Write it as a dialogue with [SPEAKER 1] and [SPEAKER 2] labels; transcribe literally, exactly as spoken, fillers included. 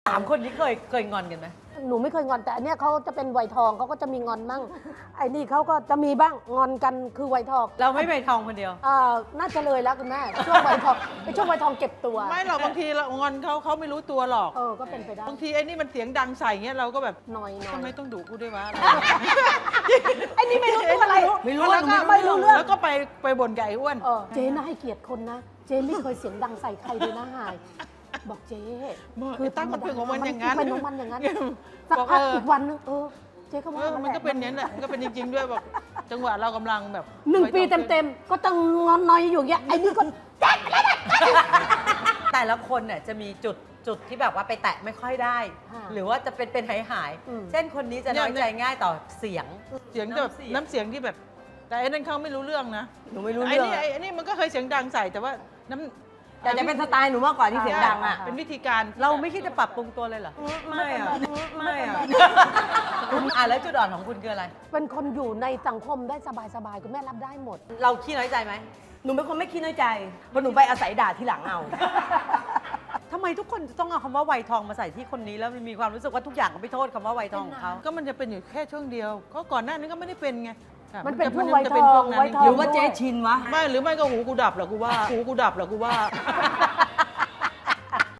[SPEAKER 1] สามคนนี้เคยเคยงอนกันไหม
[SPEAKER 2] หนูไม่เคยงอนแต่อันเนี้ยเขาจะเป็นวัยทองเขาก็จะมีงอนมั่งไอ้นี่เขาก็จะมีบ้างงอนกันคือวัยทอง
[SPEAKER 1] เราไม่ไปทองคนเดียว
[SPEAKER 2] อ่าน่าจะเลยแล้วคุณแม่ช่วงวัยทองเป็นช่วงวัยทองเก็บตัว
[SPEAKER 3] ไม่หรอกบางทีเรางอนเขาเขาไม่รู้ตัวหรอก
[SPEAKER 2] เออก็เป็นไปได้
[SPEAKER 3] บางทีไอ้นี่มันเสียงดังใส่เงี้ยเราก็แบบ
[SPEAKER 2] หน่อยหน่อ
[SPEAKER 3] ทำไม
[SPEAKER 2] ย
[SPEAKER 3] ต้องดุกูด้วยวะ
[SPEAKER 2] ไอ้นี่ไม่รู้ตัวอะไร
[SPEAKER 1] ไม่รู้
[SPEAKER 3] แล้วก็
[SPEAKER 2] ไม่รู้เรื่อง
[SPEAKER 3] แล้วก็ไปไปบ่นกับไอ้อ้วน
[SPEAKER 2] เออเจ๊น่าให้เกียรติคนนะ เจ๊ไม่เคยเสียงดังใส่ใครเลยนะหาย บอกเจ๊
[SPEAKER 3] คือตั้งมันเป็นของมันอย่างนั้น
[SPEAKER 2] เป็นของมันอย่างนั้น
[SPEAKER 3] บ
[SPEAKER 2] สัก
[SPEAKER 3] อก
[SPEAKER 2] พัก
[SPEAKER 3] เออ
[SPEAKER 2] อีกวันนึงเออเจ๊ก็
[SPEAKER 3] เอ
[SPEAKER 2] ว่า
[SPEAKER 3] อ
[SPEAKER 2] มั
[SPEAKER 3] มันก็เป็นอย่างนั้นแหละมันก็เป็นจริง ๆ ด้วยบอกจังหวะเรากำลังแบบ
[SPEAKER 2] หนึ่งปีเต็มๆก็ต้องงอนน้อยอยู่อย่างเงี้ยไอ้นี่ก็
[SPEAKER 1] แต่ละคนเนี่ยจะมีจุดจุดที่แบบว่าไปแตะไม่ค่อยได้ หรือว่าจะเป็นเป็นหายหายๆ
[SPEAKER 2] อืม
[SPEAKER 1] เช่นคนนี้จะน้อยใจง่ายต่อเสียง
[SPEAKER 3] เสียงแบบน้ำเสียงที่แบบ แต่ไอ้นั่นเขาไม่รู้เรื่องนะ
[SPEAKER 4] หนูไม่รู้
[SPEAKER 3] ไอ้
[SPEAKER 4] เรื่อง
[SPEAKER 3] นี่ไอ้ไอ้นี่มันก็เคยเสียงดังใส่แต่ว่าน้ำ
[SPEAKER 4] แต่จะเป็นสไตล์หนูมากกว่าที่เสียงดังอ่ะ
[SPEAKER 3] เป็นวิธีการ
[SPEAKER 1] เราไม่คิดจะปรับปรุงตัวเลยเหรอ
[SPEAKER 4] ไม่อ่ะ ไม่อ่ะ
[SPEAKER 1] คุณอ่ะแล้วจุดอ่อนของคุณคืออะไร
[SPEAKER 2] เป็นคนอยู่ในสังคมได้สบายๆคุณแม่รับได้หมด
[SPEAKER 1] เราขี้น้อยใจไหม
[SPEAKER 4] หนูเป็นคนไม่คิดน้อยใจเพราะหนูไปอาศัยด่าทีหลังเอา
[SPEAKER 1] ทำไมทุกคนจะต้องเอาคำว่าวัยทองมาใส่ที่คนนี้แล้วมันมีความรู้สึกว่าทุกอย่างก็ไปโทษคำว่าวัยทองของเขา
[SPEAKER 3] ก็มันจะเป็นอยู่แค่ช่วงเดียว ก็ก่อนหน้านี้ก็ไม่ได้เป็นไงค่ะ
[SPEAKER 2] มันเป็น
[SPEAKER 3] จะ
[SPEAKER 2] ช่วง
[SPEAKER 3] จะ
[SPEAKER 2] วัย
[SPEAKER 3] จะ
[SPEAKER 2] ท
[SPEAKER 3] เป็น
[SPEAKER 2] อ
[SPEAKER 3] ช่
[SPEAKER 2] ง
[SPEAKER 3] นั้น
[SPEAKER 2] วัยทอง
[SPEAKER 4] หรือว่าเจ๊ชินวะ
[SPEAKER 3] ไม่หรือไม่ก็หูกูดับเหรอกูว่าหูกูดับเหรอกูว่า